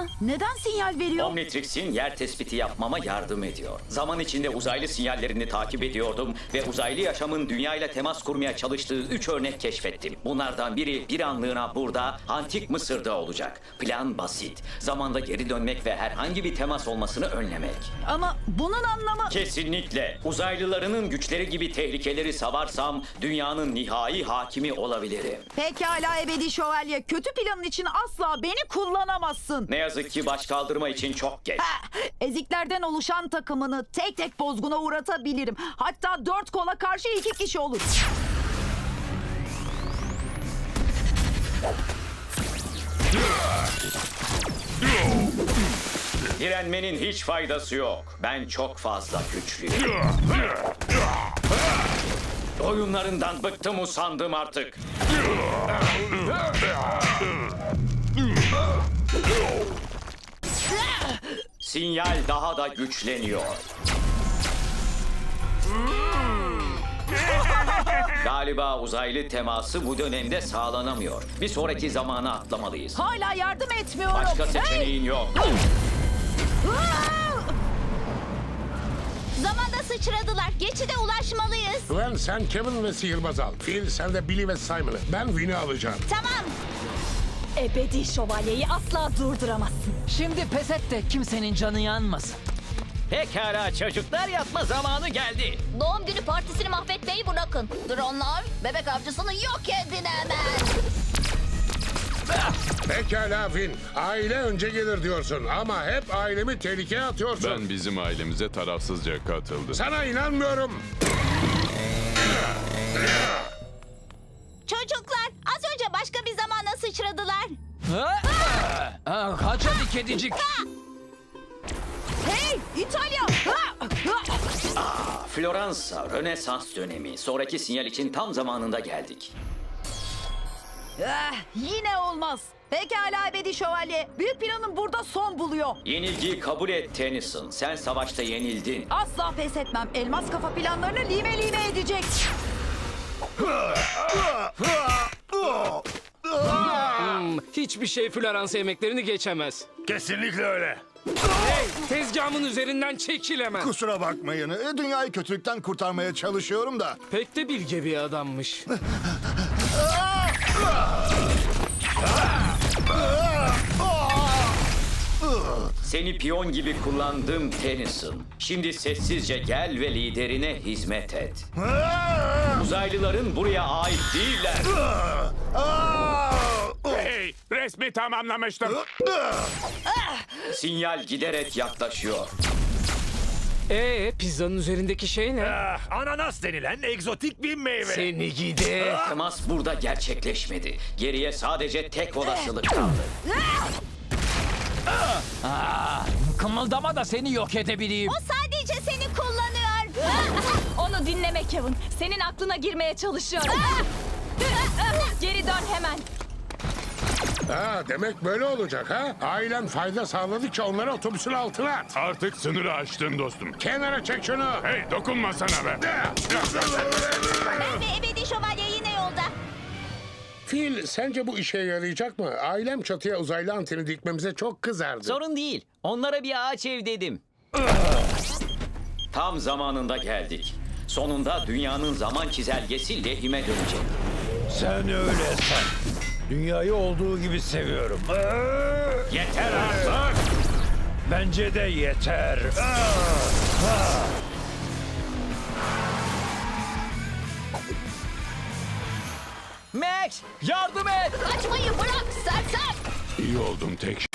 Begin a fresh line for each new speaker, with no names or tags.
Neden sinyal veriyor?
Omnitrix'in yer tespiti yapmama yardım ediyor. Zaman içinde uzaylı sinyallerini takip ediyordum ve uzaylı yaşamın dünya ile temas kurmaya çalıştığı 3 örnek keşfettim. Bunlardan biri bir anlığına burada, Antik Mısır'da olacak. Plan basit. Zamanda geri dönmek ve herhangi bir temas olmasını önlemek.
Ama bunun anlamı...
Kesinlikle. Uzaylılarının güçleri gibi tehlikeleri savarsam dünyanın nihai hakimi olabilirim.
Pekala ebedi şövalye. Kötü planın için asla beni kullanamazsın.
Ne yazık ki baş kaldırma için çok geç.
Eziklerden oluşan takımını tek tek bozguna uğratabilirim. Hatta 4 kola karşı 2 kişi olur.
Direnmenin hiç faydası yok. Ben çok fazla güçlüyüm. Oyunlarından bıktım, usandım artık. Sinyal daha da güçleniyor. Galiba uzaylı teması bu dönemde sağlanamıyor. Bir sonraki zamana atlamalıyız.
Hala yardım etmiyorum.
Başka
Hey!
seçeneğin yok.
Zamanda sıçradılar. Geçide ulaşmalıyız.
Gwen sen Kevin ve Sihirbaz al. Phil sen de Billy ve Simon'ı. Ben Win'i alacağım.
Tamam.
Ebedi şövalyeyi asla durduramazsın.
Şimdi pes et de kimsenin canı yanmasın.
Pekala çocuklar, yatma zamanı geldi.
Doğum günü partisini mahvetmeyi bırakın. Dronlar bebek avcısını yok edin hemen.
Pekala Win. Aile önce gelir diyorsun ama hep ailemi tehlikeye atıyorsun.
Ben bizim ailemize tarafsızca katıldım.
Sana inanmıyorum.
Çocuklar az önce başka bir zamana sıçradılar.
Kaç hadi kedicik.
Hey İtalya!
Floransa, Rönesans dönemi. Sonraki sinyal için tam zamanında geldik.
Yine olmaz. Pekala ebedi şövalye. Büyük planın burada son buluyor.
Yenilgiyi kabul et Tennyson. Sen savaşta yenildin.
Asla pes etmem. Elmas kafa planlarını lime lime edecek.
Hiçbir şey Floransa yemeklerini geçemez.
Kesinlikle öyle.
Tezgahımın üzerinden çekilemez.
Kusura bakmayın. Dünyayı kötülükten kurtarmaya çalışıyorum da.
Pek de bilge bir adammış.
Seni piyon gibi kullandım Tennyson. Şimdi sessizce gel ve liderine hizmet et. Uzaylıların buraya ait değiller.
Hey, resmi tamamlamıştım.
Sinyal giderek yaklaşıyor.
Pizzanın üzerindeki şey ne?
Ananas denilen egzotik bir meyve.
Seni gidi.
Temas burada gerçekleşmedi. Geriye sadece tek olasılık kaldı.
Kımıldama da seni yok edebileyim.
O sadece seni kullanıyor.
Onu dinleme Kevin. Senin aklına girmeye çalışıyor. Geri dön hemen.
Demek böyle olacak ha? Ailen fayda sağladıkça onları otobüsün altına at.
Artık sınırı aştın dostum.
Kenara çek şunu.
Hey, dokunma sana be.
Ben ve ebedi şövalye yine yolda.
Phil sence bu işe yarayacak mı? Ailem çatıya uzaylı anteni dikmemize çok kızardı.
Sorun değil. Onlara bir ağaç ev dedim.
Tam zamanında geldik. Sonunda dünyanın zaman çizelgesi lehime dönecek.
Sen öyle sen. Dünyayı olduğu gibi seviyorum.
Yeter artık!
Bence de yeter.
Max, yardım et.
Kaçmayı bırak sersem.
İyi oldum, tek